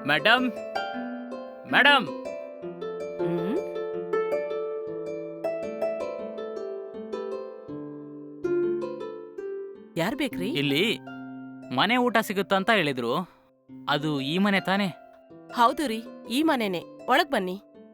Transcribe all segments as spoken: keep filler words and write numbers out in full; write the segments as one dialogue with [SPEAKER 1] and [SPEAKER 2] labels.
[SPEAKER 1] Madam madam
[SPEAKER 2] ಹ್ಮ್ ಯಾರ್ ಬೇಕ್ರಿ?
[SPEAKER 1] ಇಲ್ಲಿ ಮನೆ ಊಟ ಸಿಗುತ್ತಾ ಅಂತ ಹೇಳಿದ್ರು. ಅದು ಈ ಮನೆ ತಾನೇ?
[SPEAKER 2] ಹೌದು ರೀ, ಈ ಮನೆನೆ. ಒಳಗ್ ಬನ್ನಿ.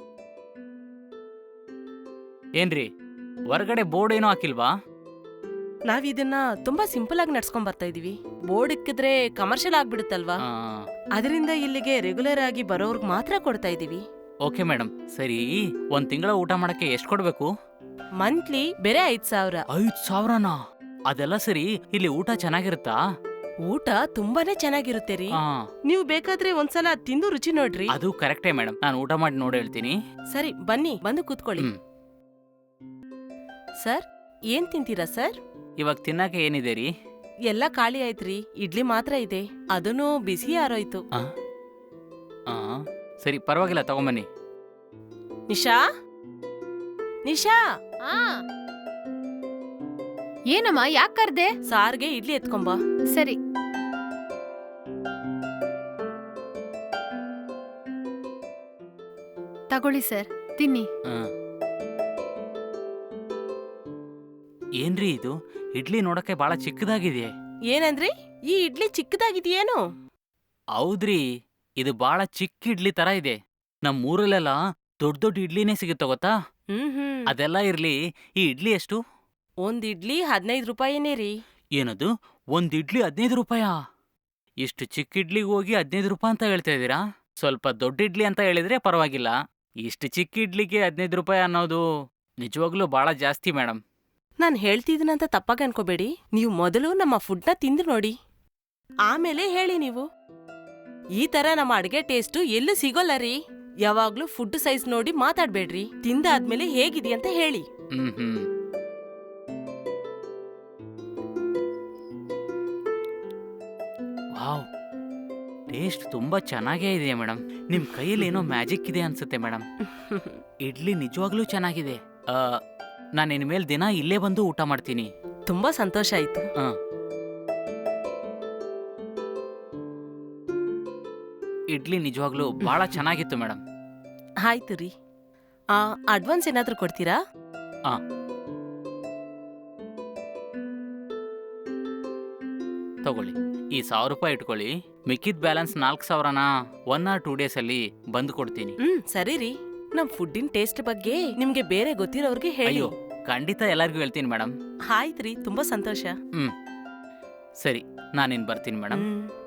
[SPEAKER 1] ಏನ್ರಿ ಹೊರಗಡೆ ಬೋರ್ಡ್ ಏನೋ ಹಾಕಿಲ್ವಾ?
[SPEAKER 2] ನಾವ್ ಇದನ್ನ ತುಂಬಾ ಸಿಂಪಲ್ ಆಗಿ ನಡ್ಸ್ಕೊಂಡ್ ಬರ್ತಾ ಇದೀವಿ. ಬೋರ್ಡ್ ಇಕ್ಕಿದ್ರೆ ಕಮರ್ಷಿಯಲ್ ಆಗ್ಬಿಡುತ್ತಲ್ವಾ,
[SPEAKER 1] ಆ,
[SPEAKER 2] ಅದರಿಂದ ಇಲ್ಲಿಗೆ ರೆಗ್ಯುಲರ್ ಆಗಿ ಬರೋರ್ಗ್ ಮಾತ್ರ ಕೊಡ್ತಾ ಇದೀವಿ.
[SPEAKER 1] Okay madam. ಸರಿ, ಒಂದ್ ತಿಂಗಳ ಊಟ ಮಾಡಕ್ಕೆ ಎಷ್ಟು ಕೊಡ್ಬೇಕು?
[SPEAKER 2] ಮಂತ್ಲಿ ಬೇರೆ ಐದ್ ಸಾವಿರ.
[SPEAKER 1] ಐದ್ ಸಾವಿರನಾ? ಅದೆಲ್ಲ ಸರಿ, ಇಲ್ಲಿ ಊಟ ಚೆನ್ನಾಗಿರುತ್ತಾ?
[SPEAKER 2] ಊಟ ತುಂಬಾನೇ ಚೆನ್ನಾಗಿರುತ್ತೆ ರೀ.
[SPEAKER 1] ಆ,
[SPEAKER 2] ನೀವು ಬೇಕಾದ್ರೆ ಒಂದ್ಸಲ ತಿಂದು ರುಚಿ ನೋಡ್ರಿ.
[SPEAKER 1] ಅದು ಕರೆಕ್ಟೇ ಮೇಡಮ್. ನಾನು ಊಟ ಮಾಡಿ ನೋಡಿ ಹೇಳ್ತೀನಿ.
[SPEAKER 2] ಸರಿ, ಬನ್ನಿ, ಬಂದು ಕೂತ್ಕೊಳ್ಳಿ.
[SPEAKER 1] ಹ್ಮ್.
[SPEAKER 2] ಸರ್, ಏನ್ ತಿಂತೀರಾ ಸರ್?
[SPEAKER 1] ಇವಾಗ ತಿನ್ನಕ್ಕೆ ಏನಿದೆ ರೀ?
[SPEAKER 2] ಎಲ್ಲ ಖಾಲಿ ಆಯ್ತ್ರಿ, ಇಡ್ಲಿ ಮಾತ್ರ ಇದೆ. ಅದನ್ನು ಬಿಸಿ ಆರೋಯ್ತು.
[SPEAKER 1] ಆ, ಆ, ಸರಿ ಪರವಾಗಿಲ್ಲ, ತಗೊಂಬನ್ನಿ.
[SPEAKER 2] ನಿಶಾ, ನಿಶಾ,
[SPEAKER 3] ಆ ಏನಮ್ಮ, ಯಾಕ್ ಕರ್ದೆ?
[SPEAKER 2] ಸಾರ್ಗೆ ಇಡ್ಲಿ ಎತ್ಕೊಂಬ.
[SPEAKER 3] ಸರಿ. ತಗೊಳ್ಳಿ ಸರ್, ತಿನ್ನಿ.
[SPEAKER 1] ಆ. ಏನ್ರಿ ಇದು? ಇಡ್ಲಿ ನೋಡಕ್ಕೆ ಬಹಳ ಚಿಕ್ಕದಾಗಿದೆ.
[SPEAKER 2] ಏನಂದ್ರಿ? ಈ ಇಡ್ಲಿ ಚಿಕ್ಕದಾಗಿದೆಯೇನು?
[SPEAKER 1] ಹೌದ್ರಿ, ಇದು ಬಹಳ ಚಿಕ್ಕ ಇಡ್ಲಿ ತರ ಇದೆ. ನಮ್ ಊರಲ್ಲೆಲ್ಲ ದೊಡ್ಡ ದೊಡ್ಡ ಇಡ್ಲಿನೇ ಸಿಗುತ್ತೆ ಗೊತ್ತಾ?
[SPEAKER 2] ಹ್ಮ್ ಹ್ಮ್
[SPEAKER 1] ಅದೆಲ್ಲ ಇರ್ಲಿ, ಈ ಇಡ್ಲಿ ಎಷ್ಟು?
[SPEAKER 2] ಒಂದ್ ಇಡ್ಲಿ ಹದಿನೈದು ರೂಪಾಯಿನೇ ರೀ.
[SPEAKER 1] ಏನದು? ಒಂದ್ ಇಡ್ಲಿ ಹದಿನೈದು ರೂಪಾಯಾ? ಇಷ್ಟು ಚಿಕ್ಕ ಇಡ್ಲಿಗೆ ಹೋಗಿ ಹದಿನೈದು ರೂಪಾಯಿ ಅಂತ ಹೇಳ್ತಾ ಇದ್ದೀರಾ? ಸ್ವಲ್ಪ ದೊಡ್ಡ ಇಡ್ಲಿ ಅಂತ ಹೇಳಿದ್ರೆ ಪರವಾಗಿಲ್ಲ. ಇಷ್ಟು ಚಿಕ್ಕ ಇಡ್ಲಿಗೆ ಹದಿನೈದು ರೂಪಾಯಿ ಅನ್ನೋದು ನಿಜವಾಗ್ಲೂ ಬಹಳ ಜಾಸ್ತಿ ಮೇಡಮ್.
[SPEAKER 2] ನಾನ್ ಹೇಳ್ತಿದ್ದೀನಂತ ತಪ್ಪಾಗಿ ಅನ್ಕೋಬೇಡಿ. ನೀವು ಮೊದಲು ನಮ್ಮ ಫುಡ್ನ ತಿಂದು ನೋಡಿ, ಆಮೇಲೆ ಹೇಳಿ ನೀವು. ಈ ತರ ನಮ್ಮ ಅಡ್ಗೆ ಟೇಸ್ಟು ಎಲ್ಲೂ ಸಿಗೋಲ್ಲ ರೀ. ಯಾವಾಗ್ಲೂ ಫುಡ್ ಸೈಜ್ ನೋಡಿ ಮಾತಾಡ್ಬೇಡ್ರಿ. ತಿಂದಾದ್ಮೇಲೆ ಹೇಗಿದೆಯಂತ ಹೇಳಿ.
[SPEAKER 1] ಹ್ಮ್ ಹ್ಮ್ ವಾವ್, ಟೇಸ್ಟ್ ತುಂಬಾ ಚೆನ್ನಾಗೇ ಇದೆ ಮೇಡಮ್. ನಿಮ್ ಕೈಯಲ್ಲಿ ಏನೋ ಮ್ಯಾಜಿಕ್ ಇದೆ ಅನ್ಸುತ್ತೆ ಮೇಡಮ್. ಇಡ್ಲಿ ನಿಜವಾಗ್ಲೂ ಚೆನ್ನಾಗಿದೆ. ಆ, ನಾನು ಇನ್ಮೇಲೆ ದಿನ ಇಲ್ಲೇ ಬಂದು ಊಟ ಮಾಡ್ತೀನಿ.
[SPEAKER 2] ತುಂಬಾ ಸಂತೋಷ ಆಯ್ತು.
[SPEAKER 1] ಆ. ಇಡ್ಲಿ ನಿಜವಾಗ್ಲೂ ಬಹಳ ಚೆನ್ನಾಗಿತ್ತು ಮೇಡಮ್.
[SPEAKER 2] ಆಯ್ತು ರೀ. ಆ ಅಡ್ವಾನ್ಸ್ ಏನಾದ್ರೂ ಕೊಡ್ತೀರಾ?
[SPEAKER 1] ಆ. ತಗೊಳ್ಳಿ, ಈ ಸಾವಿರ ರೂಪಾಯಿ ಇಟ್ಕೊಳ್ಳಿ. ಮಿಕ್ಕಿದ ಬ್ಯಾಲೆನ್ಸ್ ನಾಲ್ಕು ಸಾವಿರನ ಒನ್ ಆರ್ ಟೂ ಡೇಸ್ ಅಲ್ಲಿ ಬಂದು ಕೊಡ್ತೀನಿ.
[SPEAKER 2] ಹ್ಮ್ ಸರಿ ರೀ. ನಮ್ ಫುಡ್ಡಿನ ಟೇಸ್ಟ್ ಬಗ್ಗೆ ನಿಮ್ಗೆ ಬೇರೆ ಗೊತ್ತಿರೋರ್ಗೆ ಹೇಳಿ.
[SPEAKER 1] ಅಯ್ಯೋ, ಖಂಡಿತ ಎಲ್ಲರಿಗೂ ಹೇಳ್ತೀನಿ ಮೇಡಮ್.
[SPEAKER 2] ಆಯ್ತು ರೀ, ತುಂಬಾ ಸಂತೋಷ.
[SPEAKER 1] ಹ್ಮ್ ಸರಿ, ನಾನಿನ್ ಬರ್ತೀನಿ ಮೇಡಮ್.
[SPEAKER 2] ಹ್ಮ್